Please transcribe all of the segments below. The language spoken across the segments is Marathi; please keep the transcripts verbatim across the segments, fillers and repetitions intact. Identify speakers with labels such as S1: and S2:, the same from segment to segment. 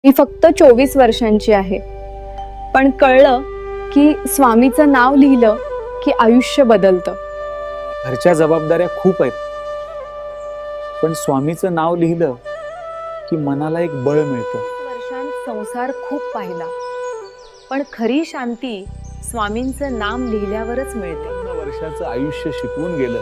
S1: मी फक्त चोवीस वर्षांची आहे, पण कळलं की स्वामीचं नाव लिहिलं की आयुष्य बदलतं.
S2: घरच्या जबाबदाऱ्या खूप आहेत, पण स्वामीचं नाव लिहिलं की मनाला एक बळ मिळतं.
S1: वर्षांत संसार खूप पाहिला, पण खरी शांती स्वामींचं नाम लिहिल्यावरच मिळते.
S2: पूर्ण वर्षाचं आयुष्य शिकवून गेलं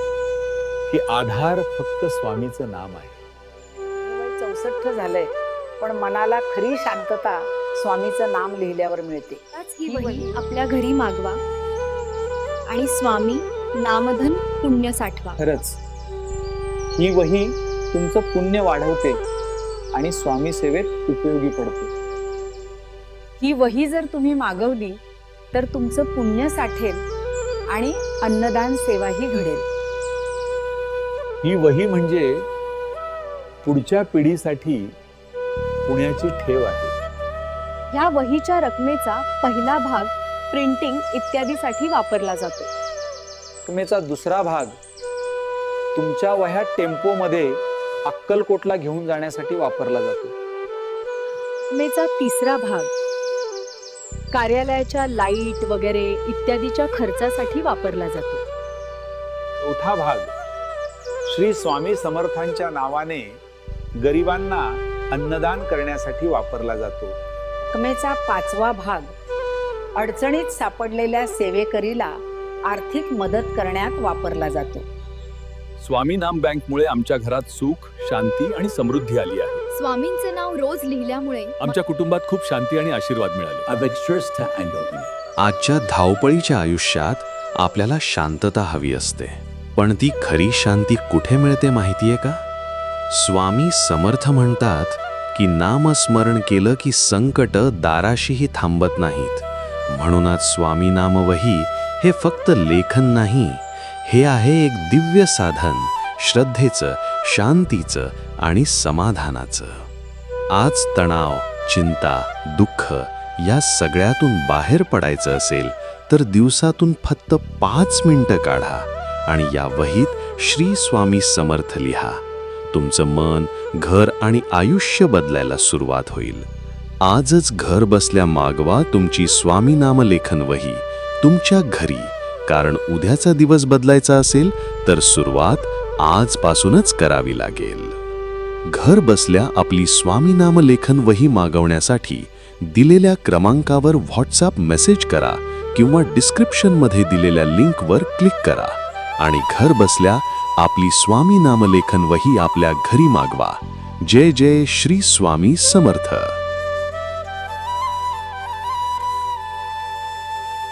S2: की आधार फक्त स्वामीचं नाम आहे.
S3: वय चौसष्ट झालंय, पण मनाला खरी शांतता स्वामीचं नाम लिहिल्यावर मिळते.
S1: त्याच ही वही आपल्या घरी मागवा आणि स्वामी नामधन पुण्य साठवा.
S2: खरंच ही वही तुमचं पुण्य वाढवते आणि स्वामी सेवेत उपयोगी पडते.
S1: ही वही जर तुम्ही मागवली तर तुमचं पुण्य साठेल आणि अन्नदान सेवाही घडेल.
S2: ही वही म्हणजे पुढच्या पिढीसाठी पुण्याची ठेव आहे.
S1: ह्या वहीच्या रकमेचा पहिला भाग प्रिंटिंग इत्यादीसाठी वापरला जातो.
S2: रकमेचा दुसरा भाग तुमच्या वह्या टेम्पोमध्ये अक्कलकोटला घेऊन जाण्यासाठी वापरला जातो.
S1: रकमेचा तिसरा भाग कार्यालयाच्या लाईट वगैरे इत्यादीच्या खर्चासाठी वापरला जातो.
S2: चौथा भाग श्री स्वामी समर्थांच्या नावाने गरिबांना अन्नदान करण्यासाठी वापरला जातो.
S3: रकमेचा पाचवा भाग अडचणीत सापडलेल्या सेवेकरीला आर्थिक मदत करण्यात वापरला जातो.
S4: स्वामी नाम बँकमुळे आमच्या घरात सुख, शांती आणि समृद्धी आली आहे.
S5: स्वामींचं नाव रोज लिहिल्यामुळे
S4: आमच्या कुटुंबात खूप शांती आणि आशीर्वाद मिळाले.
S6: आजच्या धावपळीच्या आयुष्यात आपल्याला शांतता हवी असते, पण ती खरी शांती कुठे मिळते माहितीये का? स्वामी समर्थ म्हणतात की नामस्मरण केलं की संकट दाराशीही थांबत नाहीत. म्हणूनच स्वामी नामवही हे फक्त लेखन नाही, हे आहे एक दिव्य साधन श्रद्धेचं, शांतीचं आणि समाधानाचं. आज तणाव, चिंता, दुःख या सगळ्यातून बाहेर पडायचं असेल तर दिवसातून फक्त पाच मिनिटं काढा आणि या वहीत श्री स्वामी समर्थ लिहा. तुमचं मन, घर आणि आयुष्य बदलायला सुरुवात होईल. आजच घर बसल्या मागवा तुमची स्वामी नामलेखन वही तुमच्या घरी, कारण उद्याचा दिवस बदलायचा असेल तर सुरुवात आजपासूनच करावी लागेल. घर बसल्या आपली स्वामी नामलेखन वही मागवण्यासाठी दिलेल्या क्रमांकावर व्हॉट्सअप मेसेज करा किंवा डिस्क्रिप्शनमध्ये दिलेल्या लिंकवर क्लिक करा आणि घर बसल्या आपली स्वामी नामलेखन वही आपल्या घरी मागवा. जय जय श्री स्वामी समर्थ.